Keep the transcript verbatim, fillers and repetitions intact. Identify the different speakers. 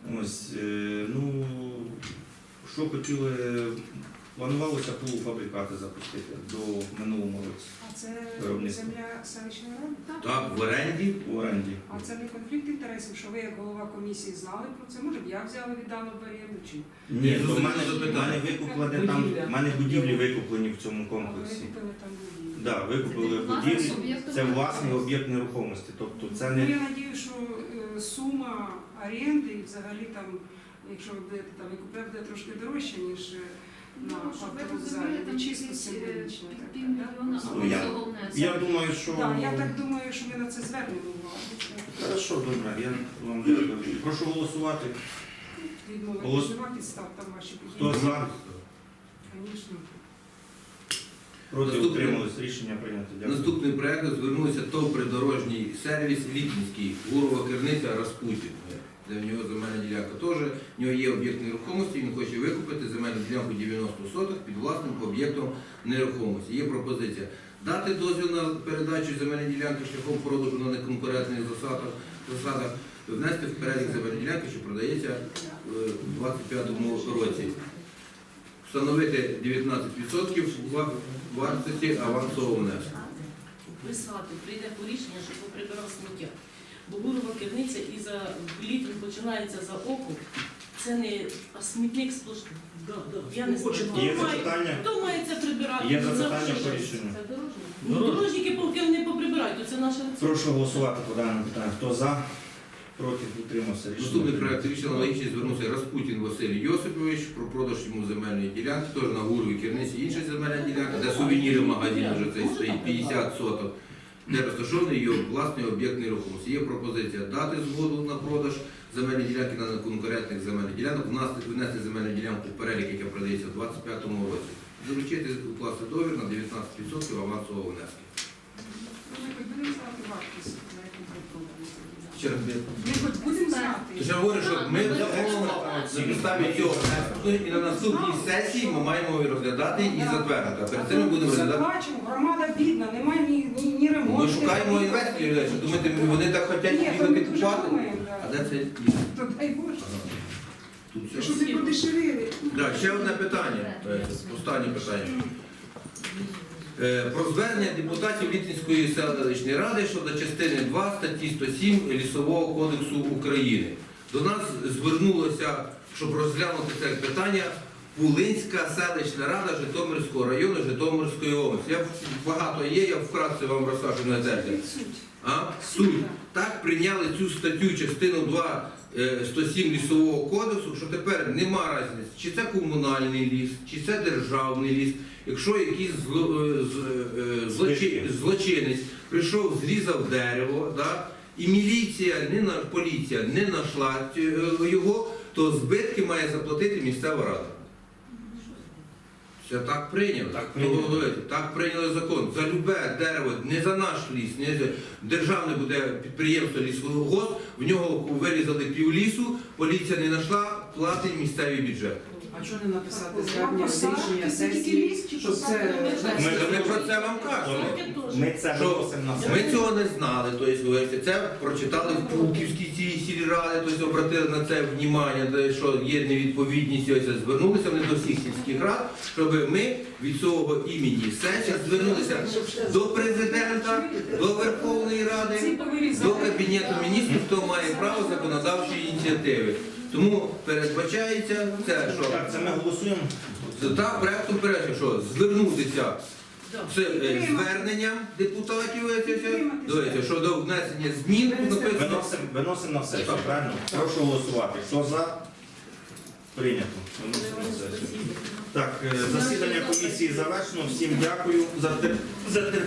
Speaker 1: Ось, е, ну, що хотіли, планувалося полуфабрикати запустити до минулого році.
Speaker 2: А це
Speaker 1: Виробництво.
Speaker 2: земля селищної ради?
Speaker 3: Так, в оренді.
Speaker 1: В оренді.
Speaker 2: А це не конфлікт інтересів, що ви як голова комісії знали про це? Може б я взяла віддано в оренду чи?
Speaker 1: Ні,
Speaker 3: ну,
Speaker 1: то в мене,
Speaker 3: це
Speaker 1: в
Speaker 3: питання.
Speaker 1: мене викуплені там, в мене будівлі викуплені в цьому
Speaker 2: А ви
Speaker 1: комплексі.
Speaker 2: купили там будівлю?
Speaker 1: Да, викупили будівлі, це власний об'єкт нерухомості. Тобто це
Speaker 2: Ну,
Speaker 1: не
Speaker 2: я надію, що е, сума оренди і взагалі там, якщо ви будете там викупляти, буде трошки дорожче, ніж е, на
Speaker 4: Ну, щоб ви
Speaker 2: автовокзалі.
Speaker 4: розуміли,
Speaker 2: Не
Speaker 4: там
Speaker 2: чисто
Speaker 4: якісь, е,
Speaker 2: символічно.
Speaker 4: під
Speaker 2: так,
Speaker 4: півмільйона
Speaker 2: так?
Speaker 1: Ну, я-
Speaker 4: або
Speaker 1: я думаю, що
Speaker 2: Так, я так думаю, що ми на це звернемо увагу.
Speaker 1: хорошо, добре. Я вам дякую. Прошу голосувати.
Speaker 2: Відмовити
Speaker 1: Голос-
Speaker 2: нема підстав там ваші
Speaker 1: Хто
Speaker 2: події.
Speaker 1: за?
Speaker 2: Звісно.
Speaker 1: Проти
Speaker 3: Наступне.
Speaker 1: утримались. Рішення прийнято. Дякую.
Speaker 3: Наступний проект звернувся ТОВ «Придорожній сервіс Літинський», Гурова Керниця, Распутін, де в нього земельна ділянка теж. В нього є об'єкт нерухомості, він хоче викупити земельну ділянку дев'яносто соток під власним об'єктом нерухомості. Є пропозиція дати дозвіл на передачу земельної ділянки шляхом продажу на неконкурентних засадах, засадах, внести в перелік земельної ділянки, що продається е, у двадцять п'ятому році. Встановити дев'ятнадцять відсотків вартості авансового внеску.
Speaker 5: Писати, прийде по рішення, щоб поприбирав сміття. Бо Гурова керниця і за літом починається за окуп. Це не а смітник сплошний. Да, да. Я не знаю.
Speaker 1: Є
Speaker 5: Хто має-
Speaker 1: запитання?
Speaker 5: Хто має це прибирати?
Speaker 1: Є
Speaker 5: Ну,
Speaker 1: запитання
Speaker 5: завжди
Speaker 1: по
Speaker 5: ж.
Speaker 1: рішенню?
Speaker 4: Це дорожнє.
Speaker 5: Ну, дорожники поки не поприбирають, то це наша
Speaker 1: Прошу голосувати по даному питанню. Хто за? Проти утримався. Рішення
Speaker 3: Наступний
Speaker 1: прийнято.
Speaker 3: проект рішення аналогічний звернувся Распутін Василь Йосипович про продаж йому земельної ділянки, теж на Гуровій Керниці інша земельна ділянка, де сувеніри магазин вже цей стоїть п'ятдесят соток, де розташований його власний об'єкт нерухомості. Є пропозиція дати згоду на продаж земельної ділянки на неконкурентних земельних ділянок, внести- внести земельну ділянку в перелік, яка продається в двадцять п'ятому році. Доручити укласти договір на дев'ятнадцять відсотків авансового внеску.
Speaker 2: Ну, Ми хоч будемо знати вартість, за яку ми продаємо.
Speaker 3: Ще раз,
Speaker 2: Ми хоч будемо знати.
Speaker 3: Тож я говорю, що ми замовимо на підставі цього і на наступній сесії ми маємо його розглядати і затвердити. А перед цим ми будемо
Speaker 2: Все
Speaker 3: розглядати.
Speaker 2: бачимо, громада бідна, немає ні, ні, ні ремонту.
Speaker 3: Ми шукаємо інвесторів, що думаєте, вони так хочуть
Speaker 2: Ні, то
Speaker 3: їхати
Speaker 2: ми дуже
Speaker 3: купувати.
Speaker 2: думаємо,
Speaker 3: А
Speaker 2: да.
Speaker 3: де це є?
Speaker 2: То дай Боже.
Speaker 3: Тут все.
Speaker 2: Щоб не подешевили.
Speaker 3: Так, ще одне питання. Е, Останнє питання. Е, Про звернення депутатів Літинської селищної ради щодо частини два статті сто сім Лісового кодексу України. До нас звернулося, щоб розглянути це питання, Пулинська селищна рада Житомирського району Житомирської області. Я багато є, я вкратце вам розкажу на це.
Speaker 2: Суть.
Speaker 3: А? Суть. Так прийняли цю статтю частину два е, сто сім Лісового кодексу, що тепер нема різниці, чи це комунальний ліс, чи це державний ліс. Якщо якийсь зло- е, з- е, злочи- злочинець прийшов, зрізав дерево, да, і міліція, не на, поліція не знайшла е, його, то збитки має заплатити місцева рада. Це так прийняли.
Speaker 1: Так прийняли.
Speaker 3: Того говорити, так прийняли закон. За любе дерево, не за наш ліс, не за державне буде підприємство лісгосп, в нього вирізали пів лісу, поліція не знайшла, платить місцевий бюджет.
Speaker 6: А чого не написати звернення
Speaker 2: Посадки,
Speaker 6: рішення
Speaker 2: це тільки
Speaker 6: сесії,
Speaker 2: ліс чи
Speaker 6: щоб
Speaker 2: посадки?
Speaker 6: це...
Speaker 3: Ми, ми про це вам кажемо.
Speaker 1: Ми це
Speaker 3: Що
Speaker 1: виносимо на
Speaker 3: ми
Speaker 1: сесію.
Speaker 3: цього не знали, тобто, говорите, це прочитали в Пулківській цій сільраді, тобто обратили на це внимання, де, що є невідповідність, ось, звернулися вони до всіх сільських рад, щоб ми від свого імені сесії звернулися до президента, до Верховної Ради,
Speaker 2: Ці повирізали.
Speaker 3: до Кабінету міністрів, хто має право законодавчої ініціативи. Тому передбачається це, що
Speaker 1: Так, це ми голосуємо.
Speaker 3: так, проектом передбачено, що звернутися з е, зверненням депутатів дивіться, щодо внесення змін, тут написано.
Speaker 1: Виносимо, виносимо на сесію, правильно? Прошу голосувати. Хто за? Прийнято. Виносимо на сесію. Так, е, засідання комісії завершено. Всім дякую за тер- за терпіння.